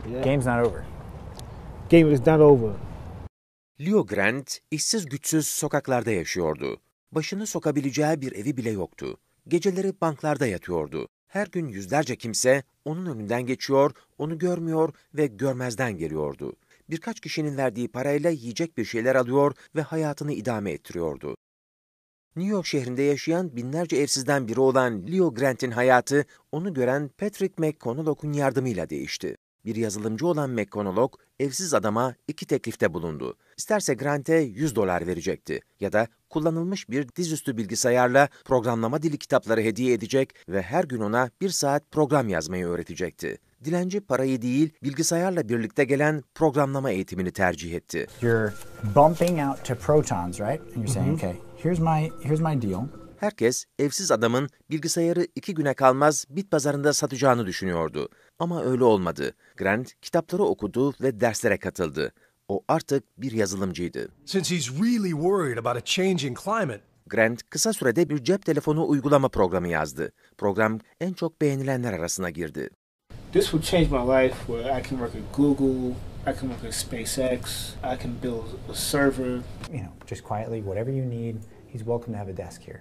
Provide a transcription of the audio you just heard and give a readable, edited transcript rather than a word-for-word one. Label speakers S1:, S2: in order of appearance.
S1: Game's not over.
S2: Game is not over.
S3: Leo Grant, işsiz güçsüz sokaklarda yaşıyordu. Başını sokabileceği bir evi bile yoktu. Geceleri banklarda yatıyordu. Her gün yüzlerce kimse onun önünden geçiyor, onu görmüyor ve görmezden geliyordu. Birkaç kişinin verdiği parayla yiyecek bir şeyler alıyor ve hayatını idame ettiriyordu. New York şehrinde yaşayan binlerce evsizden biri olan Leo Grant'in hayatı, onu gören Patrick McConaughey'un yardımıyla değişti. Bir yazılımcı olan McConaughey, evsiz adama 2 teklifte bulundu. İsterse Grant'e $100 verecekti ya da kullanılmış bir dizüstü bilgisayarla programlama dili kitapları hediye edecek ve her gün ona 1 saat program yazmayı öğretecekti. Dilenci parayı değil, bilgisayarla birlikte gelen programlama eğitimini tercih etti.
S1: You're bumping out to protons, right? And you're saying, okay, here's my deal.
S3: Herkes, evsiz adamın bilgisayarı 2 güne kalmaz bit pazarında satacağını düşünüyordu. Ama öyle olmadı. Grant kitapları okudu ve derslere katıldı. O artık bir yazılımcıydı.
S4: Since he's really worried about a changing climate,
S3: Grant kısa sürede bir cep telefonu uygulama programı yazdı. Program en çok beğenilenler arasına girdi.
S2: This will change my life where I can work at Google, I can work at SpaceX, I can build a server.
S1: Just quietly, whatever you need, he's welcome to have a desk here.